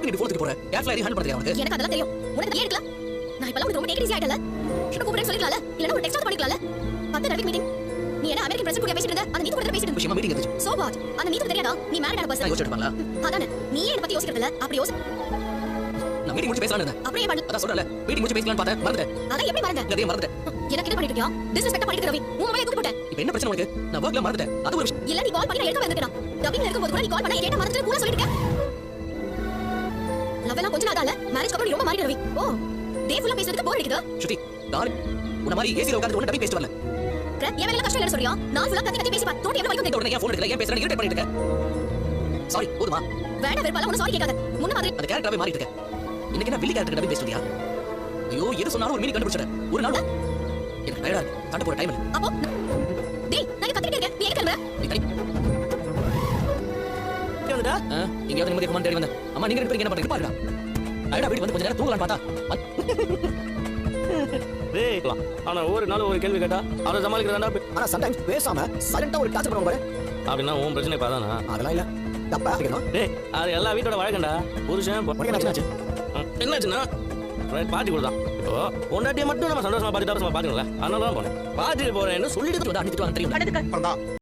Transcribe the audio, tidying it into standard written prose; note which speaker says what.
Speaker 1: நீ போன் தூக்கி போற கேர்ஃபுல்லா ஹேண்டில் பண்ணறியா உனக்கு
Speaker 2: எனக்கு அதெல்லாம் தெரியும் உனக்கு ஏன் எடுக்கல நான் இப்பலாம் உனக்கு ரொம்ப டேக் ஈஸி ஆயிட்டல என்ன கூப்பிடுறேன்னு சொல்லிக்கலாம்ல இல்லனா ஒரு டெக்ஸ்ட் பண்ணிக்கலாம்ல 10 ரவி மீட்டிங் நீ என்ன அமெரிக்கன் பிரசிடென்ட் கூட பேசிட்டு இருந்த அந்த நீத்து கூட பேசிட்டு இருந்த
Speaker 1: விஷயமா மீட்டிங் இருந்துச்சு
Speaker 2: சோ வாட் அந்த நீத்து தெரியாதா நீ மேரிட் ஆன பர்சன்
Speaker 1: யோசிச்சு எடுப்பாங்களா
Speaker 2: அதானே நீ என்ன பத்தி யோசிக்கிறது இல்ல அப்படி யோசி
Speaker 1: நான் மீட்டிங் முடிச்சு பேசலாம்னு இருந்தேன்
Speaker 2: அப்படியே பண்ணு
Speaker 1: அதான் சொல்றல மீட்டிங் முடிச்சு பேசலாம்னு பார்த்தேன் மறந்துட்டேன்
Speaker 2: அதான் எப்படி மறந்த
Speaker 1: அதே மறந்துட்டேன்
Speaker 2: எனக்கு என்ன பண்ணிட்டு இருக்கியா டிஸ்ரெஸ்பெக்ட் பண்ணிட்டு ரவி உன் மேல தூக்கி போட்டேன்
Speaker 1: இப்போ என்ன பிரச்சனை உனக்கு நான் வர்க்ல மறந்துட்டேன் அது ஒரு விஷயம்
Speaker 2: இல்ல நீ கால் பண்ணி நான் எடுக்க வந்துட்டேன் டப்பிங்ல இருக்கும்போது கூட நீ கால் பண்ணா கேட்ட மறந்துட்டு பூரா சொல்லிட்டு லவ் எல்லாம் கொஞ்ச நாள் ஆகல மேரேஜ் அப்புறம் நீ ரொம்ப மாறிட்ட ரவி ஓ டே ஃபுல்லா பேசுறதுக்கு போர் அடிக்குதா
Speaker 1: ஸ்ருதி நான் உன்ன மாதிரி ஏசில உட்கார்ந்து ஒண்ணு டப்பி பேசிட்டு வரல
Speaker 2: ஏன் வேலை கஷ்டம் இல்ல சொல்றியா நான் ஃபுல்லா கத்தி பேசி பா தோட்டி எவ்வளவு வரைக்கும்
Speaker 1: உடனே ஏன் ஃபோன் எடுக்கல ஏன் பேசுறேன்னு இரிட்டேட் பண்ணிட்டு இருக்க சாரி போதுமா
Speaker 2: வேணா வெறுப்பால உன சாரி கேட்காத முன்ன மாதிரி
Speaker 1: அந்த கேரக்டராவே மாறிட்டு இருக்க இன்னைக்கு என்ன வில்லி கேரக்டர் டப்பி பேசிட்டியா ஐயோ எது சொன்னாலும் ஒரு மீனிங் கண்டுபிடிச்சற ஒரு நாள் எனக்கு டயர்டா இருக்கு தட்ட போற டைம் இல்ல
Speaker 2: அப்போ டேய் நான் கத்திட்டே இருக்கேன் நீ எங்க கிளம்பற
Speaker 1: நீ தனி கேளுடா இங்க வந்து நிம்மதி கமாண்ட் தேடி வந்தேன் அம்மா நீங்க ரெண்டு பேரும் என்ன பண்றீங்க பாருடா அடடா வீட்டுக்கு வந்து கொஞ்ச நேரம் தூங்கலாம்னு பார்த்தா
Speaker 3: டேய் ஆனா ஒரு நாள் ஒரு கேள்வி கேட்டா அத சமாளிக்கிறதாடா
Speaker 1: ஆனா சம்டைம்ஸ் பேசாம சைலண்டா ஒரு டார்ச்சர் பண்ணுவாங்க
Speaker 3: அப்படினா உன் பிரச்சனை பாதானா
Speaker 1: அதெல்லாம் இல்ல தப்பா இருக்கணும்
Speaker 3: டேய் அது எல்லா வீட்டோட வழக்கம்டா புருஷன்
Speaker 1: என்னாச்சு
Speaker 3: என்னாச்சுன்னா பாட்டி கொடுத்தான் இப்போ பொண்டாட்டியை மட்டும் நம்ம சந்தோஷமா பார்த்துட்டு பாத்துக்கல அதனால தான் போனேன் பாத்துட்டு போறேன்னு சொல்லிட்டு
Speaker 1: அடிச்சிட்டு வாங்க தெரியும்